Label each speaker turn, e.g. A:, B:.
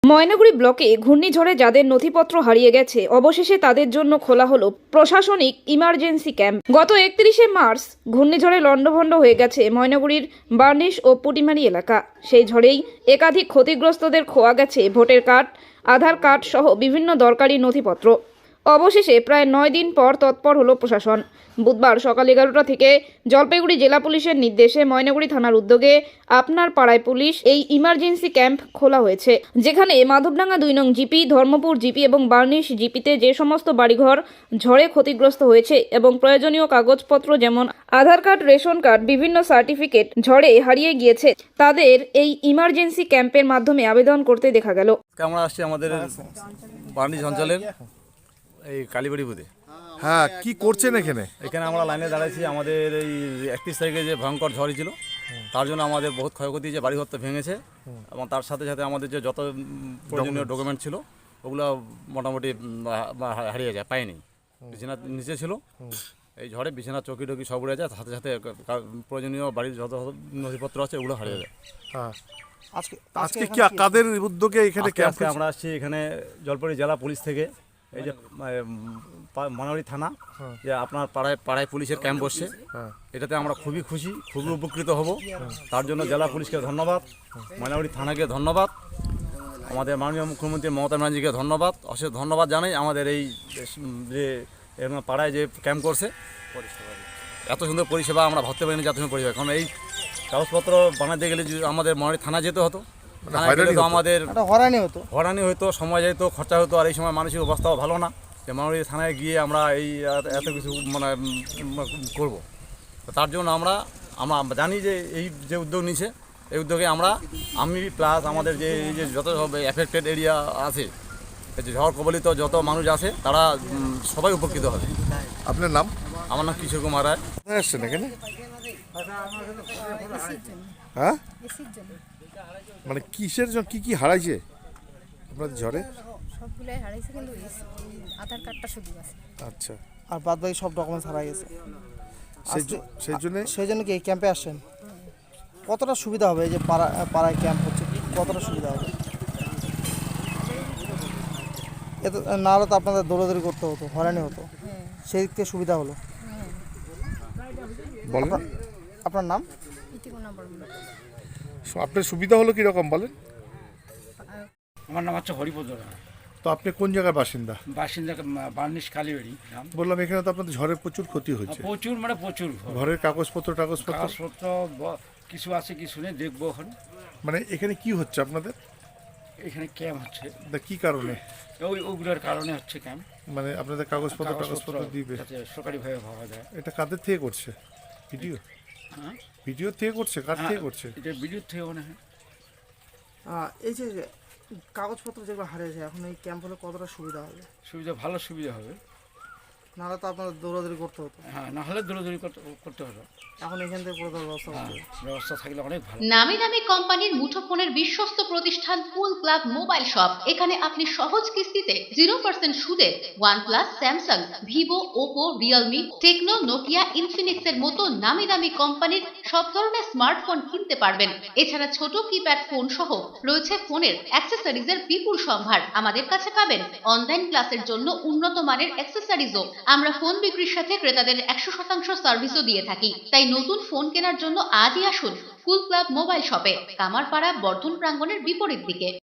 A: ময়নাগুড়ি ব্লকে ঘূর্ণিঝড়ে যাদের নথিপত্র হারিয়ে গেছে অবশেষে তাদের জন্য খোলা হলো প্রশাসনিক ইমার্জেন্সি ক্যাম্প। গত 31শে মার্চ ঘূর্ণিঝড়ে লণ্ডভণ্ড হয়ে গেছে ময়নাগুড়ির বার্নিশ ও পুটিমারি এলাকা। সেই ঝড়েই একাধিক ক্ষতিগ্রস্তদের খোয়া গেছে ভোটার কার্ড, আধার কার্ড সহ বিভিন্ন দরকারি নথিপত্র। অবশেষে প্রায় 9 দিন পর তৎপর হলো প্রশাসন। বুধবার সকাল 11টা থেকে জলপাইগুড়ি জেলা পুলিশের নির্দেশে ময়নাগুড়ি থানার উদ্যোগে আপনার পাড়ায় পুলিশ এই ইমার্জেন্সি ক্যাম্প খোলা হয়েছে, যেখানে মাধবডাঙ্গা 2 নং জিপি, ধর্মপুর জিপি এবং বার্নিশ জিপিতে যে সমস্ত বাড়িঘর ঝড়ে ক্ষতিগ্রস্ত হয়েছে এবং প্রয়োজনীয় কাগজপত্র যেমন আধার কার্ড, রেশন কার্ড, বিভিন্ন সার্টিফিকেট ঝড়ে হারিয়ে গিয়েছে তাদের এই ইমার্জেন্সি ক্যাম্পের মাধ্যমে আবেদন করতে দেখা গেল।
B: আমরা আসছি আমাদের বার্নিশ অঞ্চলের এই কালীবাড়ি বুথে।
C: হ্যাঁ, কি করছেন এখানে?
B: এখানে আমরা লাইনে দাঁড়াইছি। আমাদের এই 31 তারিখে যে ভয়ঙ্কর ঝড় ছিল তার জন্য আমাদের বহুত ক্ষয়ক্ষতি, যে বাড়িঘর তো ভেঙেছে এবং তার সাথে সাথে আমাদের যে যত প্রয়োজনীয় ডকুমেন্ট ছিল ওগুলো মোটামুটি হারিয়ে যায়, পাইনি। বিছানা নিচে ছিল, এই ঝড়ে বিছানা চৌকি টকি সব উড়ে যায়, সাথে সাথে প্রয়োজনীয় বাড়ির যত নথিপত্র আছে ওগুলো হারিয়ে যায়।
C: হ্যাঁ, আজকে কি কাদের উদ্যোগে এখানে ক্যাম্প?
B: আমরা আসছি এখানে জলপাইগুড়ি জেলা পুলিশ থেকে, এই যে ময়নাগুড়ি থানা, যে আপনার পাড়ায় পুলিশের ক্যাম্প বসছে, এটাতে আমরা খুবই খুশি, খুবই উপকৃত হব। তার জন্য জেলা পুলিশকে ধন্যবাদ, ময়নাগুড়ি থানাকে ধন্যবাদ, আমাদের মাননীয় মুখ্যমন্ত্রী মমতা ব্যানার্জিকে ধন্যবাদ, অশেষ ধন্যবাদ জানাই। আমাদের এই যে পাড়ায় যে ক্যাম্প করছে, এত সুন্দর পরিষেবা আমরা ভাবতে পারিনি, এত সুন্দর পরিষেবা। কারণ এই কাগজপত্র বানাতে গেলে আমাদের ময়নাগুড়ি থানা যেতে হতো, আমাদের হয়রানি হতো, সময় যেত, খরচা হতো। আর এই সময় মানসিক অবস্থাও ভালো না যে ময়নাগুড়ি থানায় গিয়ে আমরা এই এত কিছু করব। তার জন্য আমরা জানি যে এই যে উদ্যোগ নিয়েছে, এই উদ্যোগে আমি প্লাস আমাদের যে এই যে যত সব এফেক্টেড এরিয়া আছে, যে ঝড় কবলিত যত মানুষ আছে, তারা সবাই উপকৃত হবে।
C: আপনার নাম?
B: আমার নাম কিশোর কুমার রায়।
C: আসছেন এখানে? হ্যাঁ, মানে কিসের জন্য, কি হারাইছে আপনাদের ঝড়ে?
D: সবগুলাই হারাইছে, কিন্তু আধার কার্ডটা শুধু আছে।
C: আচ্ছা,
E: আর বাদ বাকি সব ডকুমেন্টস হারা গেছে। সেই জন্য কি এই ক্যাম্পে আসছেন? কতটা সুবিধা হবে এই যে পাড়ায় ক্যাম্প হচ্ছে, কতটা সুবিধা হবে? এত না হলে তো আপনাদের দৌড়াদৌড়ি করতে হতো, হয়রানি হতো, সেই দিক থেকে সুবিধা হলো।
C: বলেন
E: আপনার নাম?
C: আপনার সুবিধা হলো কিরকম বলেন?
F: আমার নাম হচ্ছে হরিপদ রায়।
C: তো আপনি কোন জায়গার বাসিন্দা?
F: বাসিন্দা বার্নিশ কালীবাড়ি।
C: বললাম এখানে তো আপনাদের ঝড়ে প্রচুর ক্ষতি হয়েছে।
F: প্রচুর মানে প্রচুর
C: ঘরের কাগজপত্র
F: কিছু আছে, কিছু নেই, দেখবো এখন।
C: মানে এখানে কি হচ্ছে আপনাদের?
F: এখানে ক্যাম্প হচ্ছে।
C: কি কারণে?
F: ওইগুলোর কারণে হচ্ছে ক্যাম্প।
C: মানে আপনাদের কাগজপত্র দিবে
F: সরকারিভাবে পাওয়া যায়।
C: এটা কাদের থেকে করছে? ভিডিও থেকে করছে? কার থেকে করছে?
F: এটা ভিডিও থেকে মনে হয়।
E: এই যে কাগজপত্র যেগুলো হারিয়েছে, এখন এই ক্যাম্প হলে কতটা সুবিধা হবে?
F: ভালো সুবিধা হবে।
E: নাহলে তো আপনাদের দৌড়াদৌড়ি করতে হতো।
F: হ্যাঁ, না হলে দৌড়াদৌড়ি করতে হতো।
E: এখন এখান থেকে পুরো
F: ব্যবস্থা থাকলে অনেক ভালো।
G: নামি দামি কোম্পানির মুঠোফোনের বিশ্বস্ত প্রতিষ্ঠান কুল ক্লাব মোবাইল শপ। এখানে আপনি সহজ কিস্তিতে 0% সুদে OnePlus, Samsung, Vivo, Oppo, Realme, Tecno, Nokia, Infinix এর মতো নামি দামি কোম্পানির সব ধরনের স্মার্টফোন কিনতে পারবেন। এছাড়া ছোট কিপ্যাড ফোন সহ রয়েছে ফোনের অ্যাক্সেসরিজের বিপুল সম্ভার। আমাদের কাছে পাবেন অনলাইন ক্লাসের জন্য উন্নত মানের অ্যাক্সেসরিজও। আমরা ফোন বিক্রির সাথে ক্রেতাদের 100% সার্ভিসও দিয়ে থাকি। তাই নতুন ফোন কেনার জন্য আজই আসুন কুল ক্লাব মোবাইল শপে, কামারপাড়া বর্ধন প্রাঙ্গণের বিপরীত দিকে।